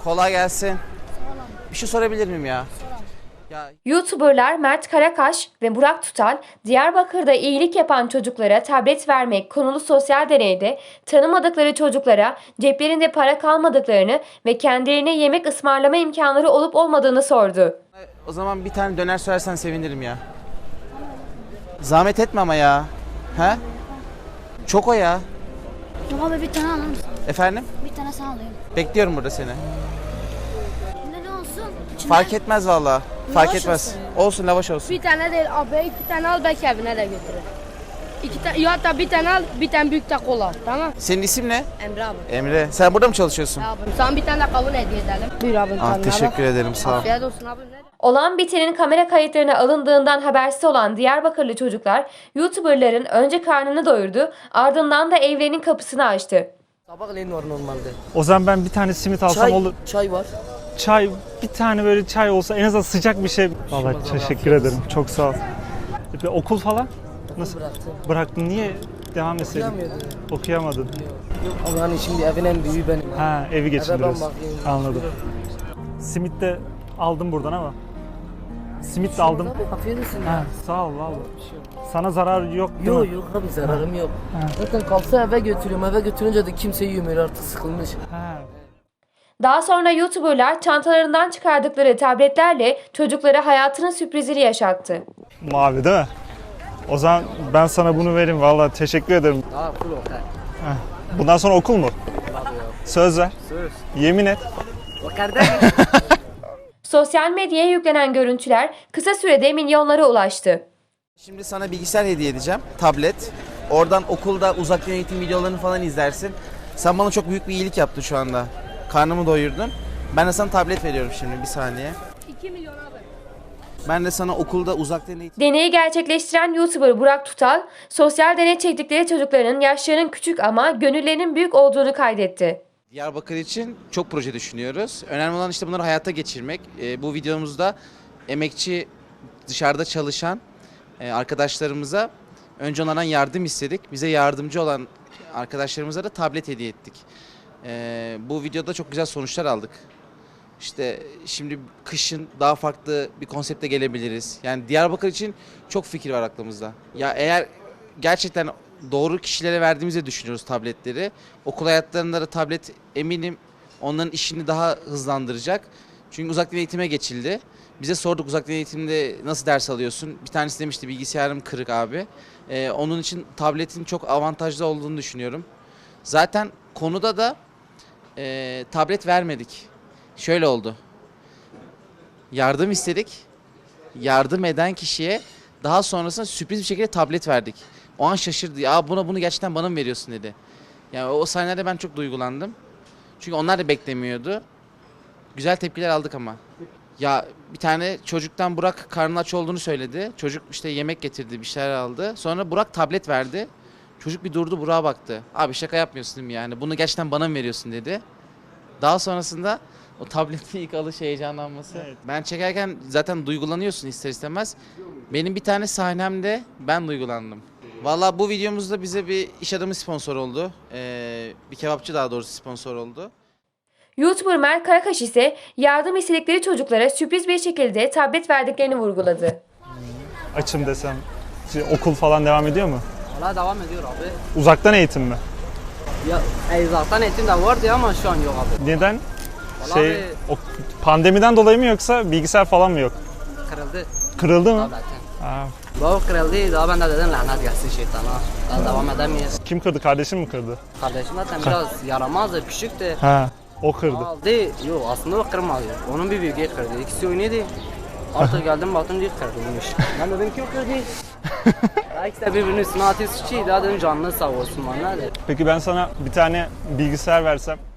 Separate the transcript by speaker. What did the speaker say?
Speaker 1: Kolay gelsin. Bir şey sorabilir miyim ya? Ya
Speaker 2: YouTuberlar Mert Karakaş ve Burak Tutal, Diyarbakır'da iyilik yapan çocuklara tablet vermek konulu sosyal deneyde tanımadıkları çocuklara ceplerinde para kalmadıklarını ve kendilerine yemek ısmarlama imkanları olup olmadığını sordu.
Speaker 1: o zaman bir tane döner söylersen sevinirim ya. Zahmet etme ama ya. He? Çok o ya.
Speaker 3: Yok abi bir tane alır mısın?
Speaker 1: Efendim?
Speaker 3: Bir tane sen alayım.
Speaker 1: Bekliyorum burada seni.
Speaker 3: Ne olsun? İçinde
Speaker 1: Fark etmez valla. Fark
Speaker 3: Lavaş
Speaker 1: etmez.
Speaker 3: olsun
Speaker 1: Olsun lavaş olsun.
Speaker 4: Bir tane değil abi, iki tane al belki evine de götürür. İki tane, ya da bir tane al, bir tane büyük de kola, tamam?
Speaker 1: Senin isim ne?
Speaker 4: Emre abi.
Speaker 1: Emre. Sen burada mı çalışıyorsun?
Speaker 4: Ya abim, sana bir tane de kavun hediye edelim. Buyur abim.
Speaker 1: Ah,
Speaker 4: tadına
Speaker 1: teşekkür
Speaker 4: bak.
Speaker 1: ederim, sağ ol.
Speaker 4: Afiyet olsun abim. Ne?
Speaker 2: Olan bitenin kamera kayıtlarına alındığından habersiz olan Diyarbakırlı çocuklar, YouTuberların önce karnını doyurdu, ardından da evlerinin kapısını açtı.
Speaker 5: Sabahleyin var normalde.
Speaker 6: O zaman ben bir tane simit alsam olur.
Speaker 5: Çay var.
Speaker 6: Çay, bir tane böyle çay olsa en azından sıcak bir şey. Vallahi teşekkür ederim. Çok sağ ol. Peki okul falan? Nasıl?
Speaker 5: Bıraktım.
Speaker 6: Bıraktın. Niye devam etseydin?
Speaker 5: Okuyamıyordum.
Speaker 6: Okuyamadın.
Speaker 5: Yok ama hani şimdi evin en büyüğü benim.
Speaker 6: Ha, evi geçindiriyorsun.
Speaker 5: bakayım.
Speaker 6: Anladım. Simit de aldım buradan ama. Simit de aldım.
Speaker 5: Abi afiyet olsun
Speaker 6: Ha,
Speaker 5: ya.
Speaker 6: sağ ol vallahi. Sana zarar yok değil
Speaker 5: Yok
Speaker 6: mi?
Speaker 5: yok abi zararım yok.
Speaker 6: Ha.
Speaker 5: Zaten kalsa eve götürüyorum. Eve götürünce de kimse yemiyor artık sıkılmış.
Speaker 6: Ha.
Speaker 2: Daha sonra YouTuberlar çantalarından çıkardıkları tabletlerle çocuklara hayatının sürprizini yaşattı.
Speaker 6: Mavi değil mi? O zaman ben sana bunu vereyim. Vallahi teşekkür ederim.
Speaker 5: Aa full okay.
Speaker 6: Bundan sonra okul mu? Söz ver.
Speaker 5: Söz.
Speaker 6: Yemin et.
Speaker 5: O kardeş.
Speaker 2: Sosyal medyaya yüklenen görüntüler kısa sürede milyonlara ulaştı.
Speaker 1: Şimdi sana bilgisayar hediye edeceğim. Tablet. Oradan okulda uzaktan eğitim videolarını falan izlersin. Sen bana çok büyük bir iyilik yaptın şu anda. Karnımı doyurdun. Ben de sana tablet veriyorum şimdi, bir saniye.
Speaker 4: 2 milyon abi.
Speaker 1: Ben de sana okulda uzaktan eğitim...
Speaker 2: Deneyi gerçekleştiren YouTuber Burak Tutal, sosyal deney çektikleri çocukların yaşlarının küçük ama gönüllerinin büyük olduğunu kaydetti.
Speaker 1: Diyarbakır için çok proje düşünüyoruz. Önemli olan işte bunları hayata geçirmek. Bu videomuzda emekçi, dışarıda çalışan arkadaşlarımıza önce onlardan yardım istedik. Bize yardımcı olan arkadaşlarımıza da tablet hediye ettik. Bu videoda çok güzel sonuçlar aldık. İşte şimdi kışın daha farklı bir konsepte gelebiliriz. Yani Diyarbakır için çok fikir var aklımızda. Ya eğer gerçekten doğru kişilere verdiğimizi düşünüyoruz tabletleri. Okul hayatlarında da tablet eminim onların işini daha hızlandıracak. Çünkü uzaktan eğitime geçildi. Bize sorduk uzaktan eğitimde nasıl ders alıyorsun? Bir tanesi demişti bilgisayarım kırık abi. Onun için tabletin çok avantajlı olduğunu düşünüyorum. Zaten konuda da tablet vermedik. Şöyle oldu. Yardım istedik. Yardım eden kişiye daha sonrasında sürpriz bir şekilde tablet verdik. O an şaşırdı. Ya bunu gerçekten bana mı veriyorsun dedi. Yani o sahnelerde ben çok duygulandım. Çünkü onlar da beklemiyordu. Güzel tepkiler aldık ama. Ya bir tane çocuktan Burak karnı aç olduğunu söyledi. Çocuk işte yemek getirdi, bir şeyler aldı. Sonra Burak tablet verdi. Çocuk bir durdu, Burak'a baktı. Abi şaka yapmıyorsun değil mi yani? Bunu gerçekten bana mı veriyorsun dedi. Daha sonrasında o tabletin ilk alış heyecanlanması.
Speaker 6: Evet.
Speaker 1: Ben çekerken zaten duygulanıyorsun ister istemez. Benim bir tane sahnemde ben duygulandım. Vallahi bu videomuzda bize bir iş adamı sponsor oldu. Bir kebapçı daha doğrusu sponsor oldu.
Speaker 2: YouTuber Mert Karakaş ise yardım istedikleri çocuklara sürpriz bir şekilde tablet verdiklerini vurguladı.
Speaker 6: Açım desem. Okul falan devam ediyor mu?
Speaker 5: Hala devam ediyor abi.
Speaker 6: Uzaktan eğitim mi?
Speaker 5: Ya zaten eğitim de vardı ama şu an yok abi.
Speaker 6: Neden?
Speaker 5: Vallahi abi,
Speaker 6: Pandemiden dolayı mı yoksa bilgisayar falan mı yok?
Speaker 5: kırıldı
Speaker 6: Kırıldı mı?
Speaker 5: tabletin.
Speaker 6: Aa,
Speaker 5: Baba kırıldı. Daha ben de dedim lanet gelsin şeytana. Daha devam edemeyiz.
Speaker 6: kim kırdı? Kardeşin mi kırdı?
Speaker 5: Kardeşim zaten biraz yaramazdı, küçüktü.
Speaker 6: Ha, o kırdı.
Speaker 5: Aldı. Yok aslında o kırmadı. Onun bir büyüğü kırdı. İkisi oynuyordu. Artık geldim baktım diye kırdıymış. Ben dedim ki o kırdı. İkisi de birbirinin üstüne atıyor suçuydu. Daha dedim canını sağ olsun bana.
Speaker 6: Peki ben sana bir tane bilgisayar versem